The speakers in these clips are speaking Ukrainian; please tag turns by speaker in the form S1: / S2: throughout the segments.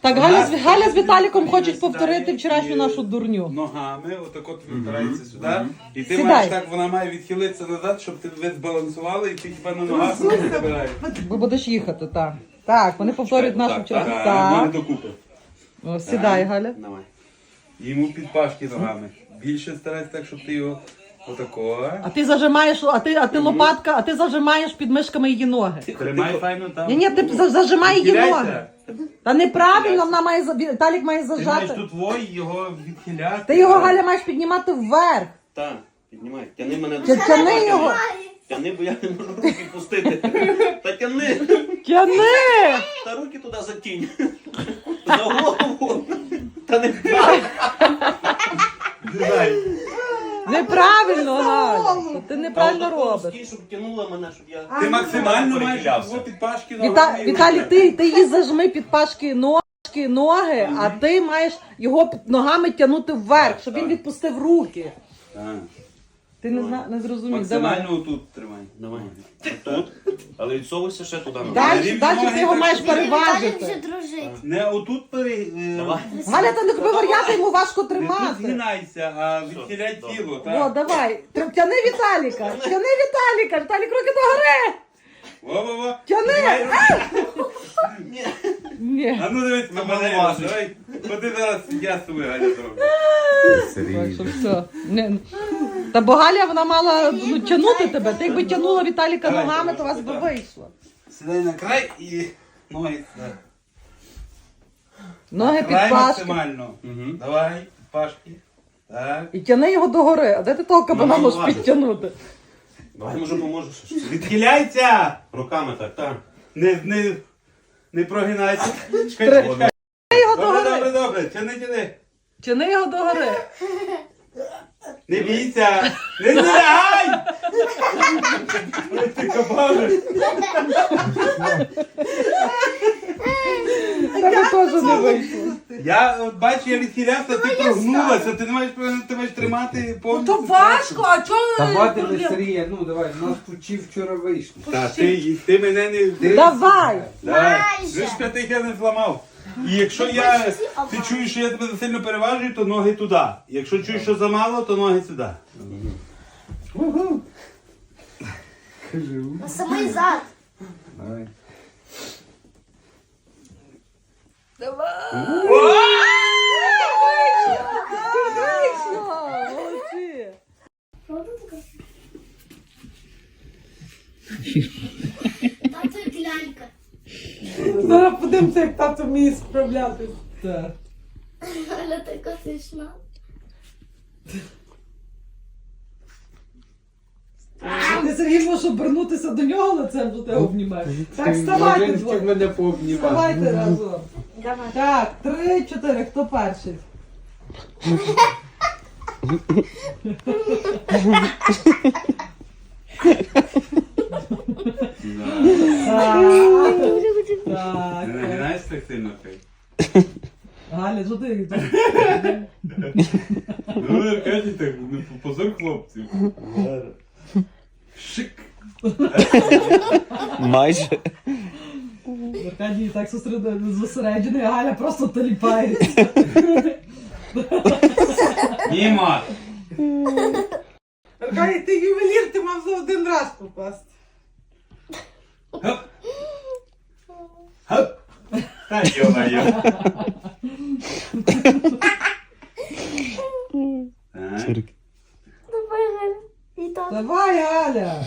S1: Так, Галя з Віталіком хочуть повторити вчорашню нашу дурню.
S2: Ногами, отак от випирається сюди. І ти
S1: Сідай.
S2: маєш так, вона має відхилитися назад, щоб ви збалансували, і ти хіба на ногах не забираєш.
S1: Бо будеш їхати, так. Так, вони повторюють нашу вчорашню.
S2: Мене
S1: Так.
S2: докупи.
S1: О, сідай, Галя.
S2: Давай. Йому під пашки ногами. Більше старайся так, щоб ти його отако.
S1: А ти зажимаєш, а ти лопатка, а ти зажимаєш під мишками її ноги.
S2: Тримай файно там.
S1: Ні, ти зажимай її ноги.
S2: Відхиляйся.
S1: Та неправильно, вона має, Віталік має
S2: Ти маєш
S1: зажати.
S2: тут його відхиляти.
S1: Ти його, Галя, маєш піднімати вверх.
S3: Так, піднімай. Тяни мене.
S1: Тяни його.
S3: Тяни, бо я не можу руки пустити. Та тяни.
S1: Тяни!
S3: Та руки туди затінь. За голову. Та не так.
S1: Неправильно, Галя. Ти неправильно робиш.
S3: Стій, щоб тянула мене, щоб я...
S2: Ти максимально маєш
S3: перехилявся.
S2: його під пашки ногами.
S1: Віталік, ти її зажми під пашки ноги, а ти маєш його ногами тягнути вверх, щоб він відпустив руки.
S2: Так.
S1: Ти не зрозумів. Давай.
S2: Максимально отут тримай.
S3: Давай. Тут. Але відсовуйся ще туди.
S1: Далі ти його маєш
S4: Віталік вже
S1: переважити.
S4: дружить.
S2: Не отут
S3: Давай.
S1: Галя, та не тобі вар'яти, йому важко
S2: Не тут
S1: тримати.
S2: згинайся, а відхиляй тіло.
S1: О,
S2: Так.
S1: давай. Тяни Віталіка. Тяни Віталіка. Віталік, руки догори.
S2: Во-во-во.
S1: Тяни. Ні.
S2: А ну дивись на мене. Давай. Ходи зараз, я з тобою, Галя, зроблю.
S1: Так що все. Та бо Галя, вона мала тягнути тебе. Ти якби тягнула Віталіка
S2: Давай,
S1: ногами, то
S2: давай,
S1: вас би
S2: давай.
S1: вийшло.
S2: Сідай на край і ноги сюди.
S1: Ноги під
S2: Край
S1: пашки.
S2: максимально. Давай, під пашки. Так.
S1: І тяни його догори. А де ти того кабана
S3: Ну,
S1: можеш
S3: важить.
S1: підтягнути?
S3: Давай, може, поможеш.
S2: Відхиляйся!
S3: Руками так.
S2: Не прогинайся.
S1: Тяни
S2: Чекай.
S1: його
S2: Добре,
S1: догори.
S2: добре. Тяни.
S1: Тяни його догори.
S2: Не бійся. Не злягай! Ой, ти кабане.
S1: Тебе теж не вийшло.
S2: Я от бачу, я відхилявся, ти прогнулася, ти не маєш ти маєш тримати повністю.
S1: То важко, а чого?
S5: Давайте не Сергія, ну давай, у нас почти вчора вийшло.
S2: Та ти мене не...
S1: Давай.
S2: Давай.
S4: Майже.
S2: Ви ж п'ятих я не зламав. І якщо ти чуєш, що я тебе сильно переважую, то ноги туди. Якщо чуєш, що замало, то ноги сюди.
S4: На самий зад.
S5: Давай.
S1: Вийшло. Молодці.
S4: Тато і лялька.
S1: Зараз подивимося, як тато вміє справлятися. Так.
S4: Але така смішна.
S1: Ти, Сергій, можеш обернутися до нього лицем, до тебе обнімаєш. Так, вставайте
S5: Ти
S1: двоє.
S5: мене пообнімати.
S1: Вставайте разом.
S4: Давай.
S1: Так, 3, 4, хто перший? Так.
S2: Не нагинаєш так сильно, хай.
S1: Галя, що ти?
S2: Ну, Аркадій так, ну, позор хлопців. Шик.
S6: Майже.
S1: Аркадій так зосереджений, а Галя просто таліпається.
S2: Німа.
S1: Аркадій, ти ювелір, ти мав за один раз попасти.
S2: Хоп. Хоп. Та йо-моє. Так.
S4: Давай, Галя. І так.
S1: Давай, Галя.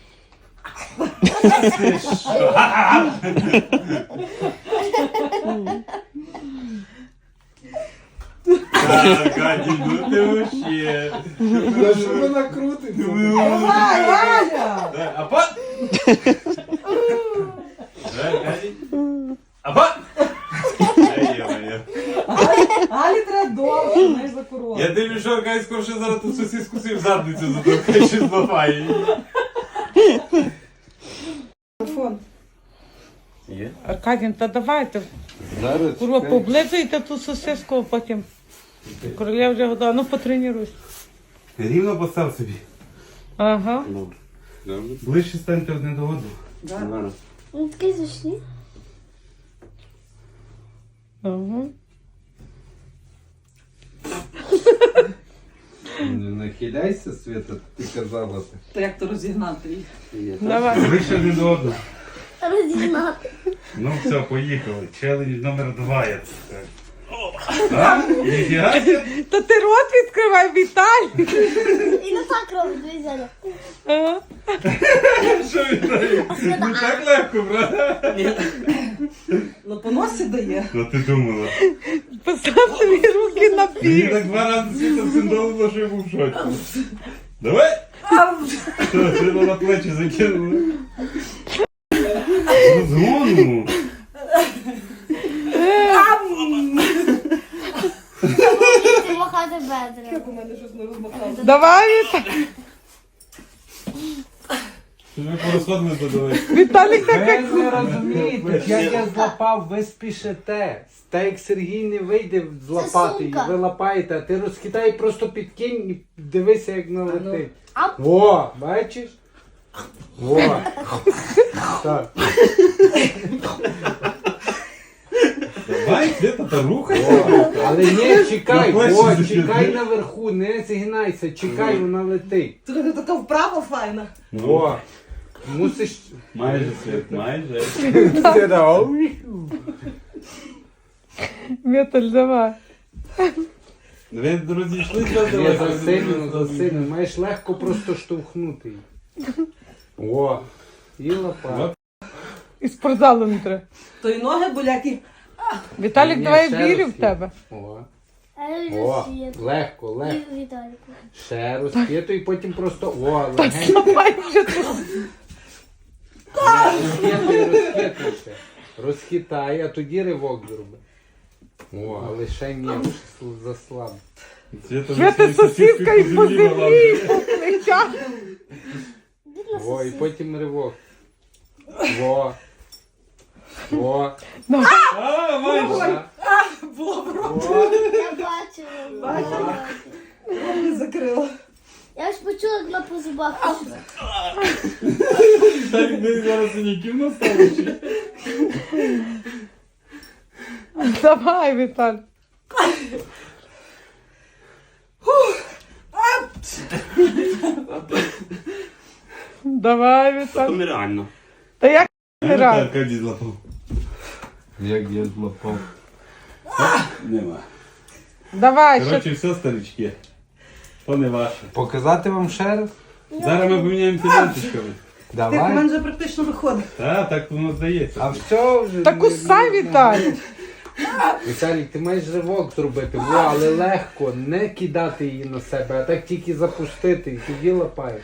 S2: Аркадій, ну ти вообще.
S5: Та що вона крутиться?
S1: Давай, Галя.
S2: А пот! Аркадій. А пот! Ай, йо-моє.
S1: Галі треба довше, не за коротко.
S2: Я дивлюсь, що Аркадій скорше зараз ту сосиску собі в задницю затовкає, що зламає її.
S1: Телефон.
S3: Є?
S1: Аркадій, та давайте,
S5: Зараз.
S1: курва, поблизуйте ту сосиску, а потім королева вже готова. Ну, потренуйся.
S2: Рівно постав собі.
S1: Ага.
S3: Добре.
S2: Ближче станьте одне до одного.
S3: Зараз.
S4: Ну, такі зайшли.
S1: Ага.
S5: Не нахиляйся, Свята, ти казала.
S1: То як то розігнати їх?
S2: Давай. Ви ще не до одного.
S4: Розігнати.
S2: Ну все, поїхали. Челендж номер 2, я це скажу. А? Ніфіга?
S1: Та ти рот відкривай, Віталій.
S4: І не так робить, дивіться.
S1: Ага.
S2: Що Віталій? Не так легко, правда?
S1: Ну по носі дає.
S2: Ну ти думала.
S1: Постав собі руки на
S2: Мені
S1: пів.
S2: так 2 рази світа синдолило, що я був в шоці. Давай! Що, ти на плечі закинули? Розгону!
S4: Ти махати бедра.
S1: У мене щось не розмахало.
S6: Давай, Віталій.
S2: Ви порозходилися давай.
S6: Віталік
S5: Ви
S6: так
S5: не розумієте, як я злапав, ви спішите. Та Сергій не вийде злапати її,
S4: сумка.
S5: ви лапаєте, а ти розкидай, просто підкинь і дивися, як налетить.
S4: А?
S5: Во, бачиш? Во. Так.
S2: Давай, Света, та рухай.
S5: Во. Але ні, чекай,
S2: На плечі
S5: во,
S2: закидай.
S5: чекай наверху, не згинайся, чекай, вона летить.
S1: Ти така вправа файна.
S5: Во. Мусиш...
S2: Майже, Свет, майже.
S6: Віталь, давай.
S2: Ви, друзі, йшли сюди?
S5: Ні, засильно, маєш легко просто штовхнути її. О, і лопата.
S6: І спортзалу не треба.
S1: То й ноги болякі.
S6: Віталік,
S5: Ні,
S6: давай
S5: ще
S6: вірю
S5: раз
S6: в тебе.
S5: О,
S4: А
S5: о,
S4: я
S5: легко, легко.
S4: Віталіку.
S5: Ще розкиту і потім просто о, легенько.
S6: Давай вже тут.
S5: Розкитай ще. Розхитай, а тоді ривок зроби. О, але ще ні, вже заслаб.
S6: Свята сосиска і по землі, і по плечах.
S5: О, і потім ривок. О. О.
S2: А, майже.
S5: О.
S4: Я бачила.
S1: Не закрила.
S4: Я ж почула, як на по зубах пішла.
S2: Так, десь зараз синяків настало ще.
S6: Давай, Віталь. Давай, Віталь.
S3: нереально.
S6: Та як не раз?
S2: Аркадій злапав.
S5: Як я злопав.
S2: Нема.
S6: Давай, ще.
S2: Коротше, все, старички. То не ваше.
S5: Показати вам ще раз?
S2: Зараз ми поміняємося ленточками.
S1: Ти в
S5: Давай.
S1: мене вже практично виходить.
S2: Так воно здається.
S5: А все вже.
S6: Та кусай, Віталій.
S5: Віталій, ти маєш ривок зробити, во, але легко, не кидати її на себе, а так тільки запустити і тоді лапаєш.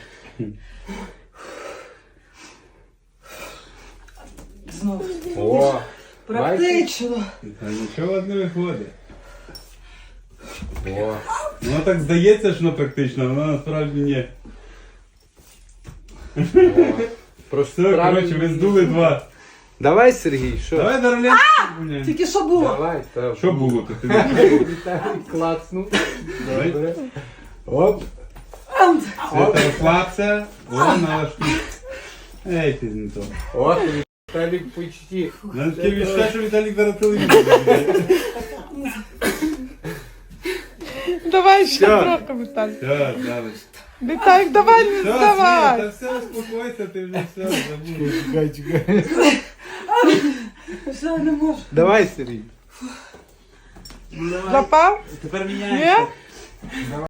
S1: Знову.
S5: О,
S1: Практично.
S2: Та нічого не виходить.
S5: о.
S2: Воно так здається, що воно практично, а воно насправді ні.
S5: Просто
S2: Все,
S5: правильно.
S2: коротше, ви здули 2.
S5: Давай, Сергій, що?
S2: Давай на рулетку поміняємо.
S1: Тільки що було?
S5: Давай, так.
S2: Що було то? Ти не
S5: Віталій клацнув. Добре. Оп.
S2: Света, розслабся. Вона налаштуй. Ей, ти не то.
S5: От, Віталік почти.
S2: Нам таке відчуття, що Віталік зараз телевізор буде.
S6: Давай ще
S5: Що?
S6: трохи, Віталь.
S2: Все, далі.
S6: Віталік, давай, не
S2: Все,
S6: здавай.
S2: Света, все, успокойся, ти вже все забув.
S5: Чекай, чекай.
S1: Все, не можу.
S5: Давай, Сергій.
S6: Запав?
S2: Тепер
S6: Ні?
S2: міняємося.